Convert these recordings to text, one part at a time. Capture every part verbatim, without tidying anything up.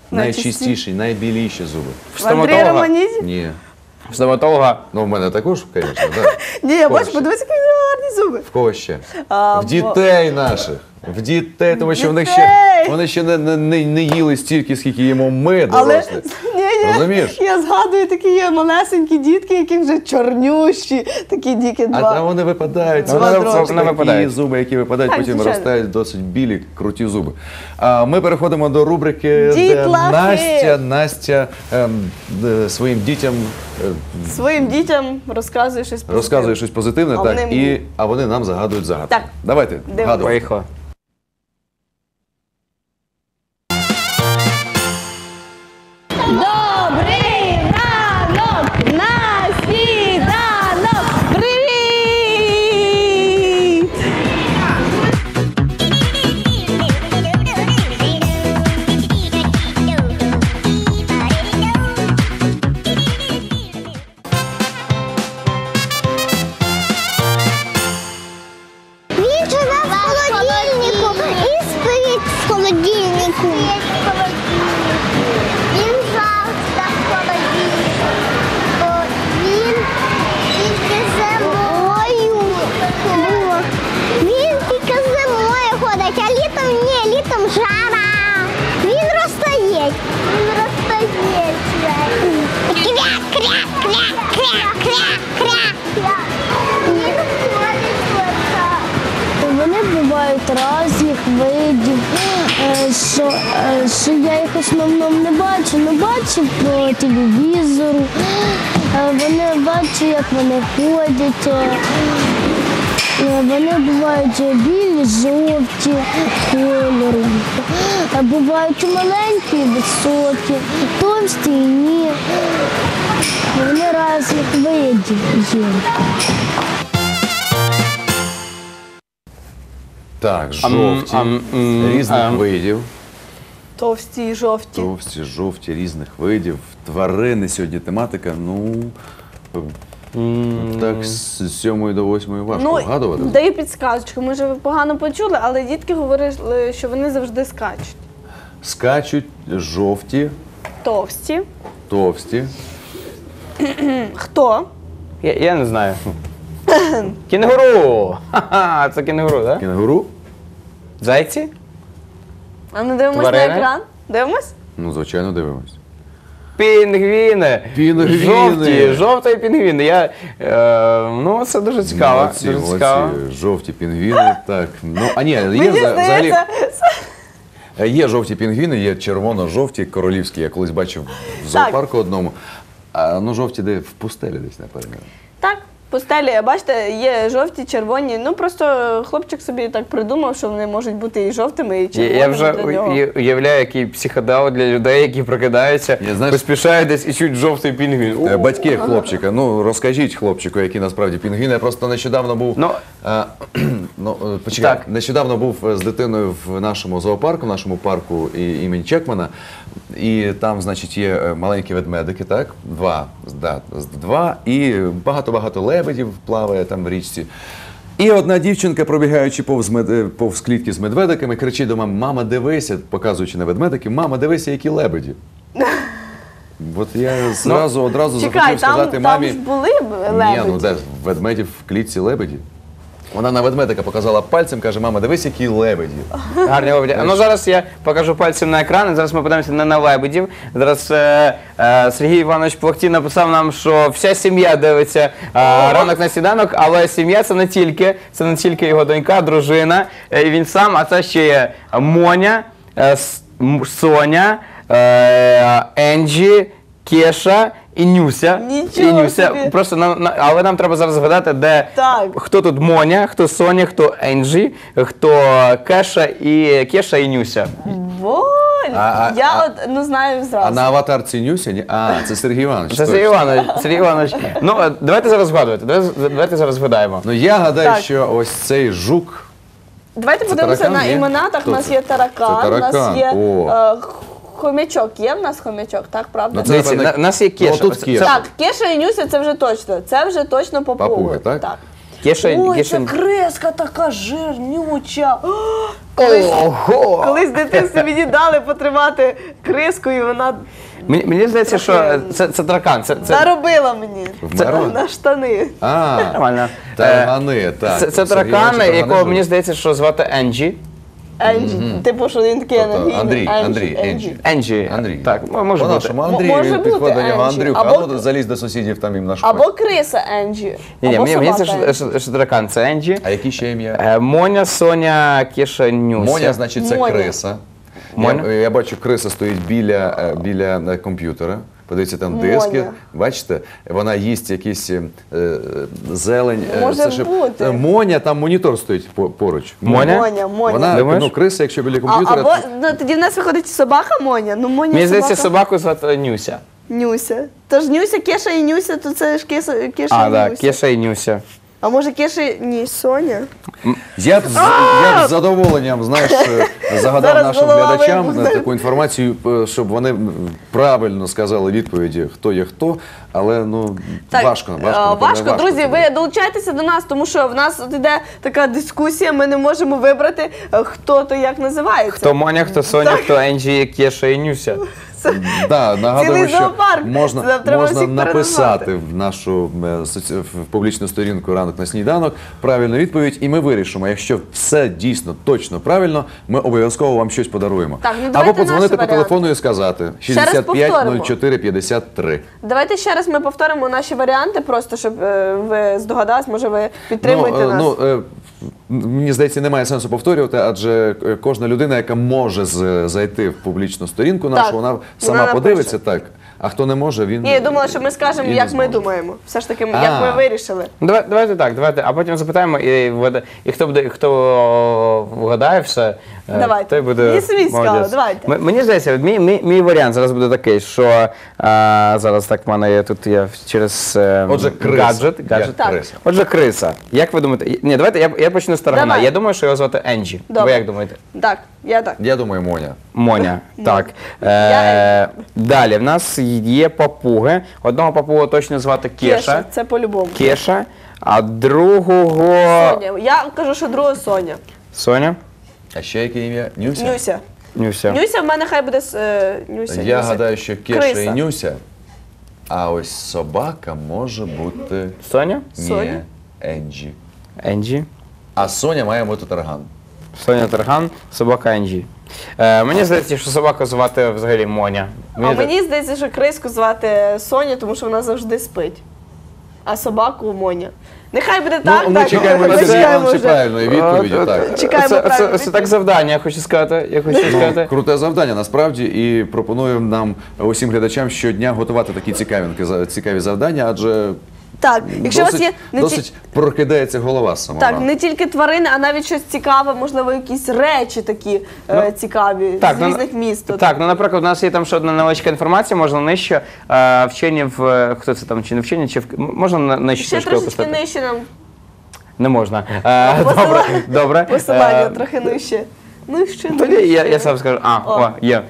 найчистіші, найбіліші зуби. В Андрія Романізі? Ні. В стоматолога? Ну, в мене також, звісно, так. Ні, я бачу, подивися, які гарні зуби. В кого ще? А, в дітей наших. В дітей, тому що вони ще, вони ще не, не, не їли стільки, скільки їмо ми, дорослі. Але, ні, ні, розумієш? Я згадую, такі є малесенькі дітки, які вже чорнющі, такі діки два. А, а вони випадають. Два Вони трошки. такі випадають. зуби, які випадають, Так, потім звичайно. виростають досить білі, круті зуби. А ми переходимо до рубрики, де Дітлахи. Настя, Настя ем, де своїм дітям е, Своїм дітям розказує щось позитивне. розказує щось позитивне, А так, вони і, мені. а вони нам загадують загадки. Так. Давайте, Дивимось. гадуємо. Поїхали. Добрий ранок на сніданок! Привіт! Він живе в холодильнику і спить в холодильнику. Він завжди в холодильнику. Він тільки зимою. Він тільки зимою ходить, а літом ні, літом жара. Він розтає. Він розтає. Кря, кря, кря, кря, кря, кря. Він ходить отак. Вони бувають різних видів, е, що, е, що я їх в основному не бачу, не бачу по телевізору. Е, Вони бачу, як вони ходять. е, е, Вони бувають білі, жовті кольору. Е, Бувають і маленькі, і високі, товсті і ні. Вони різних видів є. Так, жовті, ам, м, різних ам. видів. Товсті і жовті. Товсті, жовті, різних видів. Тварини сьогодні тематика, ну, так з сьомої до восьмої важко вгадувати. Ну, даю підсказочку. Може, ви погано почули, але дітки говорили, що вони завжди скачуть. Скачуть жовті, Товсті. товсті. Хто? Я, я не знаю. Кінгуру! Ха-ха, це кінгуру, так? Кінгуру? Зайці? А ми дивимось Тварини? на екран? Дивимось? Ну, звичайно, дивимось. Пінгвіни! Пінгвіни! Жовті, жовті пінгвіни. Я, е, ну, це дуже цікаво. Молодці, дуже молодці. цікаво. Жовті пінгвіни, так. Ну, а ні, є Мені вза- взагалі, здається, є жовті пінгвіни, є червоно-жовті, королівські. Я колись бачив в зоопарку одному. А, ну, жовті де в пустелі десь, напевно. так, пустелі, бачите, є жовті, червоні. Ну, просто хлопчик собі так придумав, що вони можуть бути і жовтими, і Я, червоними я вже для нього. уя- уявляю, який психодел для людей, які прокидаються, Я, знаєш- поспішають десь і чуть жовтий пінгвін. Е, Батьки хлопчика, ну розкажіть хлопчику, який насправді пінгвін. Я просто нещодавно був. Ну, а, ну е, почекай, так. нещодавно був з дитиною в нашому зоопарку, в нашому парку і- імені Чекмана. І там, значить, є е, маленькі ведмедики, так? Два. Да, з- два. І багато-багато лебедів плаває там в річці. І одна дівчинка, пробігаючи повз, мед... повз клітки з медведиками, кричить до мами: мама, дивися, показуючи на ведмедики, мама, дивися, які лебеді. От я зразу, одразу Чекай, захотів там, сказати там мамі. ж були б лебеді. Ні, ну де ведмедів в клітці лебеді. Вона на ведмедика показала пальцем, каже: мама, дивись, які лебеді. Гарні лебеді. А ну зараз я покажу пальцем на екран, і зараз ми подивимося на, на лебедів. Зараз е, е, Сергій Іванович Плохтій написав нам, що вся сім'я дивиться е, ранок на сніданок, але сім'я це не тільки, це не тільки його донька, дружина, е, і він сам, а це ще є Моня, е, С- М- Соня, е, Енджі, Кеша і Нюся. Нічого і Нюся. собі. Просто нам, на- але нам треба зараз згадати, де Так. хто тут Моня, хто Соня, хто Енджі, хто Кеша і Кеша і Нюся. Воль! А- а- Я а- от ну знаю зразу. А на аватарці Нюся? Ні? А, це Сергій Іванович. Це Сергій точно. Іванович. Сергій Іванович. Ну, е, давайте зараз згадувати. Давайте, давайте зараз згадаємо. Ну я гадаю, Так. що ось цей жук. Давайте Це подивимося таракан, на ні? іменатах. Хто У нас це? є таракан, Це у нас таракан, є о. е, хомячок. Є в нас хомячок, так, правда? Ну, це, Дивіться, напевне, на- нас є Кеша. Ну, тут Це- Кеша. Так, Кеша і Нюся це вже точно. Це вже точно папуги. Папуги, так? Кеша, Ой, Кеша... це креска така жирнюча. О, Ого! Колись в дитинстві мені дали потримати криску, і вона Мені, мені здається, що це, це таракан. Це, це... наробила мені Вмерла? на штани. А, Нормально. таргани, так. Це, це Сергій таракан, Іванович таргани якого живуть. мені здається, що звати Енджі. Енджі, типу, що він такий Тобто енергійний. Андрій, Енджі, Андрій, Енджі. Енджі. Андрій. Так, м- може бути. По-нашому М- Андрій, може бути підходить до нього Енджі. Андрюха, Або- а ну залізь до сусідів, там їм наш Або криса Енджі. Ні, ні, або мені, мені собака здається, що, Енджі. що, що таракан це Енджі. А які ще ім'я? Е, Моня, Соня, Кеша, Нюся. Моня, значить, це Моня. криса. Моня? Я, я бачу, криса стоїть біля, е, біля е, комп'ютера. Подивіться, там диски. Моня. Бачите, вона їсть якісь е, зелень. е, Може це ж- бути. е, Моня, там монітор стоїть по- поруч. Моня? Моня, Моня. Вона, Думаєш? ну, криса, якщо біля А, комп'ютера. або, то- ну, тоді в нас виходить собака Моня. Ну, Моня Мені здається, собака. собаку звати Нюся. Нюся. Тож Нюся, Кеша і Нюся, то це ж Кеша, Кеша А, і так, Нюся. Кеша і Нюся. А може Кеша, і- ні, Соня? Я б, з, я б з задоволенням, знаєш, е, загадав Зараз нашим голова глядачам вибухне. е, таку інформацію, е, щоб вони м, правильно сказали відповіді, хто є хто, але ну важко, важко. е, напевно, важко. Друзі, це ви долучайтеся до нас, тому що в нас от іде така дискусія, ми не можемо вибрати, е, хто то як називається. Хто Моня, хто Соня, хто Енджі, Кеша і Нюся. Да, нагадуємо, Цілий що зоопарк. можна, Це треба можна всіх написати переназвати. в нашу е, соці- в публічну сторінку «Ранок на сніданок» правильну відповідь, і ми вирішимо, якщо все дійсно точно правильно, ми обов'язково вам щось подаруємо. Так, ну давайте Або подзвонити наші по телефону і сказати шістдесят п'ять нуль чотири п'ятдесят три. Давайте ще раз ми повторимо наші варіанти, просто щоб е, ви здогадались, може ви підтримуєте Ну, е, нас. ну, е, мені здається, немає сенсу повторювати, адже е, кожна людина, яка може з- зайти в публічну сторінку нашу, Так, вона вона сама напише. подивиться, так. А хто не може, він. Ні, я думала, що ми скажемо, і не як ми зможе. думаємо. Все ж таки, А. як ми вирішили. Ну, давай, давайте так, давайте, а потім запитаємо, і, вгада- і хто буде, хто вгадає все, е, Давайте. той буде. Мені самі цікаво, молодець. давайте. М- Мені здається, от мій, мій, мій варіант зараз буде такий, що е, зараз так в мене є тут я через е, Отже, криса. гаджет. Як гаджет. Так. криса. Отже, криса. Як ви думаєте? Ні, давайте я, я почну з таргана. Давай. Я думаю, що його звати Енджі. Добре. Ви як думаєте? Так, я так. Я думаю, Моня. Моня. Так. Я Е, далі в нас є папуги. Одного папугу точно звати Кеша. Кеша, це по-любому. Кеша, а другого Соня. Я кажу, що друга Соня. Соня. А ще яке ім'я? Нюся? Нюся. Нюся. Нюся в мене хай буде с- е, Нюся. Я Нюся. гадаю, що Кеша Криса. і Нюся. А ось собака може бути. Соня. Соня. Ні, Енджі. Енджі. А Соня має бути тарган. Соня Тарган, собака Енджі. Е, мені здається, що собаку звати взагалі Моня. А Мені мені здається, що криску звати Соня, тому що вона завжди спить. А собаку Моня. Нехай буде так, ну, ми так. чекаємо від Сергія почекаємо Івановича вже. правильної відповіді. Е, Так. е, Чекаємо це, правильну це, це так завдання, я хочу сказати. Я хочу сказати. Круте завдання насправді, і пропонуємо нам усім глядачам щодня готувати такі цікавинки, за- цікаві завдання, адже Так, якщо у вас досить, є не ті- досить прокидається голова з самого так, ранку. не тільки тварини, а навіть щось цікаве, можливо, якісь речі такі е, цікаві з ну, різних міст. От. Так, ну наприклад, у нас є там ще одна невеличка інформація, можна нижче. Е, вчені в е, хто це там, чи не вчені, чи в м- можна на- нижче Ще трошки трошечки опустити? нижче нам Не можна. Е, добре, посилання, добре. посилання Е, трохи нижче. Ну, ще Тоді нижче. я, я сам скажу. А, о, є.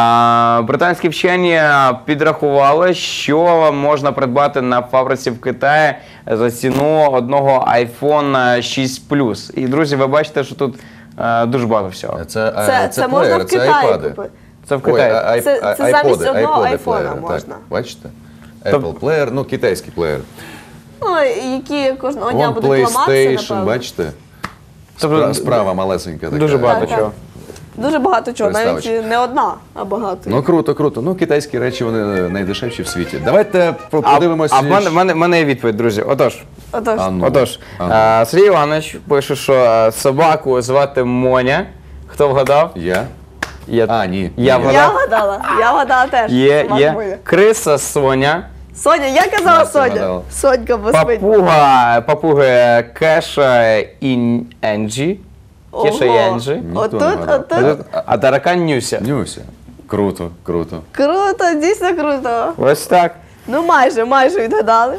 А, британські вчені підрахували, що можна придбати на фабриці в Китаї за ціну одного iPhone шість плюс. І, друзі, ви бачите, що тут е, дуже багато всього. Це, е, Це, це, можна плеєр, в Китаї айпади. купити. Це в Китаї. Ой, а- Це- а- це замість айподи, одного айподи айфона плеєри, можна. Так, бачите? Apple плеєр, ну китайський плеєр. Ну, які кожного дня Вон будуть ламатися, PlayStation, напевно. бачите? Тобто, Спра- Справа малесенька така. дуже багато Так, так. чого. Дуже багато чого, навіть Приставочка. не одна, а багато. Ну круто, круто. Ну китайські речі вони найдешевші в світі. Давайте А, подивимося. а в мене, в мене, в мене є відповідь, друзі. Отож, Отож, А ну, отож а ну. е, Сергій Іванович пише, що е, собаку звати Моня. Хто вгадав? Я? Я, А, ні. Я Ні. вгадав. я вгадала, я вгадала теж. Є, Собака є. буде. Криса Соня. Соня, я казала Настя Соня. вгадала. Сонька поспить. Папуга, папуги Кеша і Енджі. Кеша і Ого. Енджі. Ніхто Отут, не вгадав. отут. А таракан Нюся. Нюся. Круто, круто. Круто, дійсно круто. Ось так. Ну майже, майже відгадали.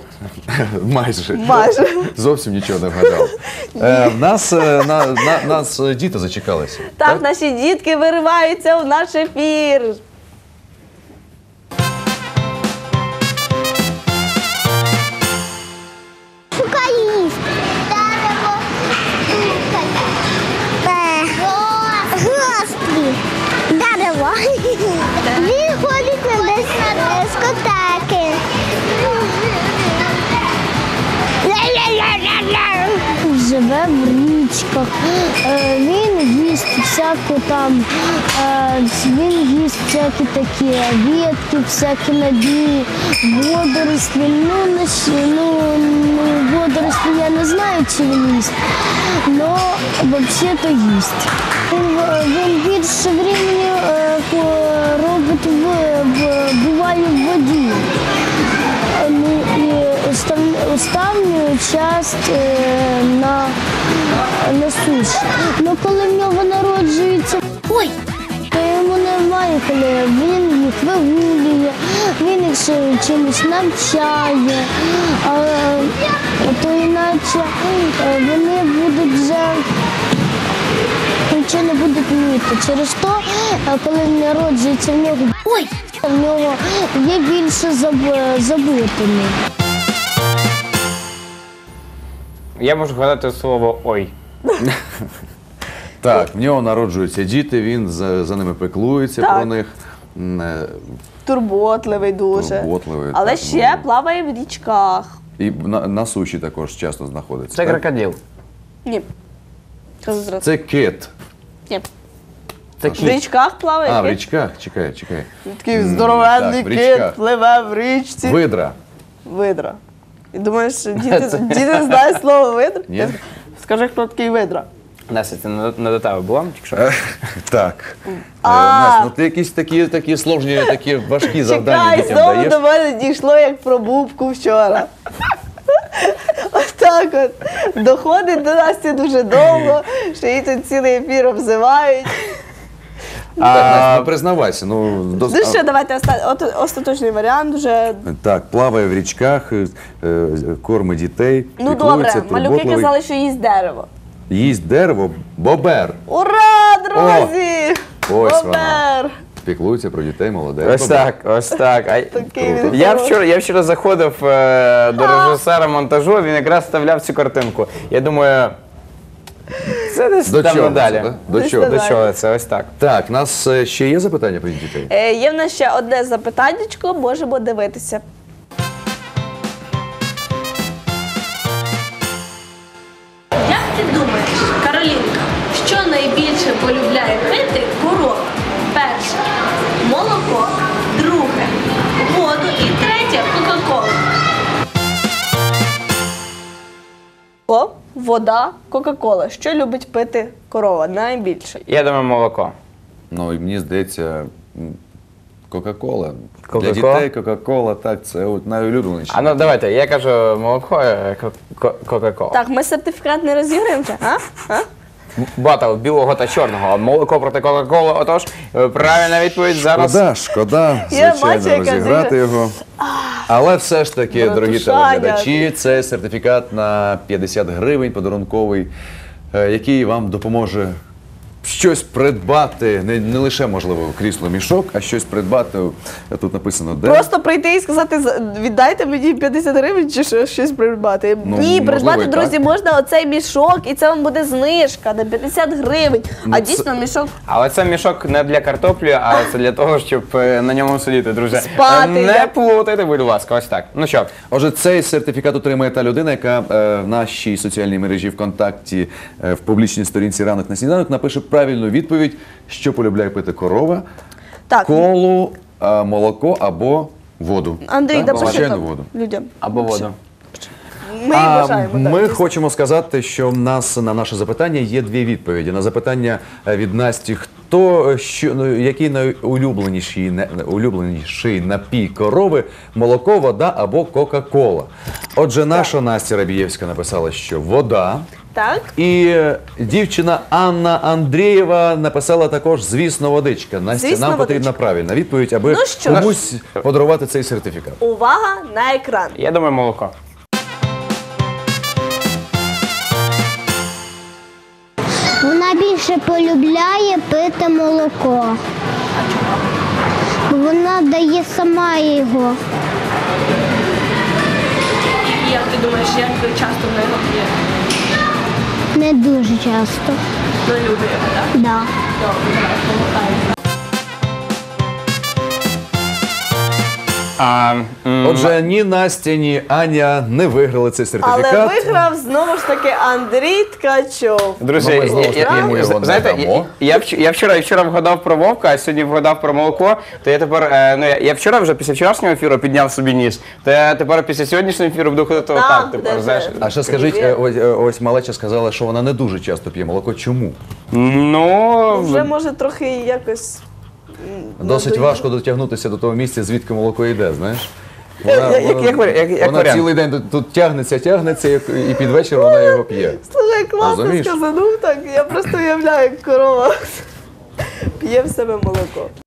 Майже. Майже. Зовсім нічого не вгадав. Е, в нас, е, на, на, нас е, діти зачекалися. Так, наші дітки вириваються в наш ефір. Шукаліст. Дерево. Стукає. Він ходить на дискотеки. Живе в річках, е, він їсть всяку там, е, він їсть всякі такі ветки, всякі надії, водорослі. Ну, не щ- ну, ну, водорослі я не знаю, чи він їсть, але взагалі-то їсть. Він, е, він більше времени е, по- робить в, в, буває в воді. Ну, і остав- останню часть е, на, на суші. Ну, коли в нього народжується, ой, то йому немає, коли він їх вигулює, він їх ще чимось навчає, а, а то іначе е, вони будуть вже нічого не будуть вміти. Через то, е, коли він народжується, в нього, ой, в нього є більше заб- забутими. Я можу гадати слово ой. Так, в нього народжуються діти, він за, за ними пеклується Так. про них. М, е, Турботливий дуже. Турботливий, Але так, ще ну. плаває в річках. І на, на суші також часто знаходиться. Це так? крокодил. Ні. Кажу зразу. Це кит. Ні. Це В кіт. річках плаває А, в кит. річках, чекай, чекай. Такий М, здоровенний так, в річках. кит пливе в річці. Видра. Видра. І думаєш, діти, діти знають слово видра? Ні? Скажи, хто такий видра. Настя, це не не до тебе було, тільки що? Так. Е, А. Настя, ну ти якісь такі, такі сложні, такі важкі завдання Чекай, дітям знову даєш. до мене дійшло, як про бубку вчора. Отак от. Доходить до Насті дуже довго, що її тут цілий ефір обзивають. Так, Настя, ну признавайся. Ну, до... Ну що, давайте оста- от- остаточний варіант вже. Так, плаває в річках, е, е, кормить дітей, Ну піклується, добре, малюки турботливий. казали, що їсть дерево. Їсть дерево, бобер. Ура, друзі! ось Бобер! Піклується про дітей, молодець. Ось бобер. так, ось так. А- Такий Круто. він Я хороший. вчора, я вчора заходив е, до режисера монтажу, він якраз вставляв цю картинку. Я думаю, це десь До там чого надалі. це, да? До Десь чого? До надалі. чого це? Ось так. Так, у нас е, ще є запитання про дітей? Е, Є в нас ще одне запитаннячко, можемо дивитися. Як ти думаєш, Каролінка, що найбільше полюбляє пити корова? Перше – молоко, друге – воду і третє – кока-колу. О, вода, Кока-Кола. Що любить пити корова найбільше? Я думаю, молоко. Ну, і мені здається, м, Кока-Кола. Для Кока-Кола? дітей Кока-Кола, так, це от найулюбленіше. А ну давайте, я кажу молоко, е, ко- ко- кока-кола. Так, ми сертифікат не розіграємо вже, а? а? Батл білого та чорного. А молоко проти кока-коли. Отож, е, правильна відповідь зараз. Шкода, шкода, Я звичайно, бачу, яка розіграти дуже- його. Але все ж таки, дорогі Братушаня. телеглядачі, це сертифікат на п'ятдесят гривень подарунковий, е, який вам допоможе щось придбати, не, не лише, можливо, крісло мішок, а щось придбати. Тут написано де. Просто прийти і сказати, «За- віддайте мені п'ятдесят гривень чи що- щось придбати. Ну, Ні, можливо, придбати, і друзі, так. можна оцей мішок, і це вам буде знижка на п'ятдесят гривень. Ну, А це- дійсно мішок Але це мішок не для картоплі, а це для того, щоб е, на ньому сидіти, друзі. Спати, Е, Не я- плутайте, будь ласка, ось так. Ну що, Отже, цей сертифікат отримає та людина, яка е, в нашій соціальній мережі ВКонтакті е, в публічній сторінці «Ранок на сніданок» напише правильну відповідь, що полюбляє пити корова, Так. колу, е, молоко або воду. Андрій, Так, допиши звичайно, там воду. людям. або воду. Ми А бажаємо. так, ми дійсно. хочемо сказати, що в нас на наше запитання є дві відповіді. На запитання е, від Насті, хто е, що ну, який найулюбленіший не- улюбленіший напій корови, молоко, вода або Кока-Кола. Отже, наша Настя Рабієвська написала, що вода. Так. І е, дівчина Анна Андрієва написала також, звісно, водичка. Настя, Звісно, нам потрібна водичка. правильна відповідь, аби Ну що ж. комусь подарувати цей сертифікат. Увага на екран. Я думаю, молоко. Вона більше полюбляє пити молоко. Бо вона дає сама його. І як ти думаєш, як часто вона його п'є? Не дуже часто. Ну, любить його, так? Да. Добре, давай, помагай. А, м, Отже, ні Настя, ні Аня не виграли цей Але сертифікат. виграв знову ж таки Андрій Ткачов. Друзі, Ну, ми знову ж я- таки я- йому його не знаєте, дамо. я, я, вч- я вчора, я вчора вгадав про вовка, а сьогодні вгадав про молоко. То я тепер, е, ну я, я вчора вже після вчорашнього ефіру підняв собі ніс. То я тепер після сьогоднішнього ефіру буду ходити Так, отак. Тепер, буде знаєш. вже. А ще скажіть, е, ось, е, ось малеча сказала, що вона не дуже часто п'є молоко. Чому? Ну, Вже може трохи якось. Досить надоїло. важко дотягнутися до того місця, звідки молоко йде, знаєш? Як- як- як варі- як- як вона варіант. цілий день тут, тут тягнеться, тягнеться, як- і під вечір вона його п'є. Слухай, класно Розумієш? сказанув так. Я просто уявляю, як корова п'є в себе молоко.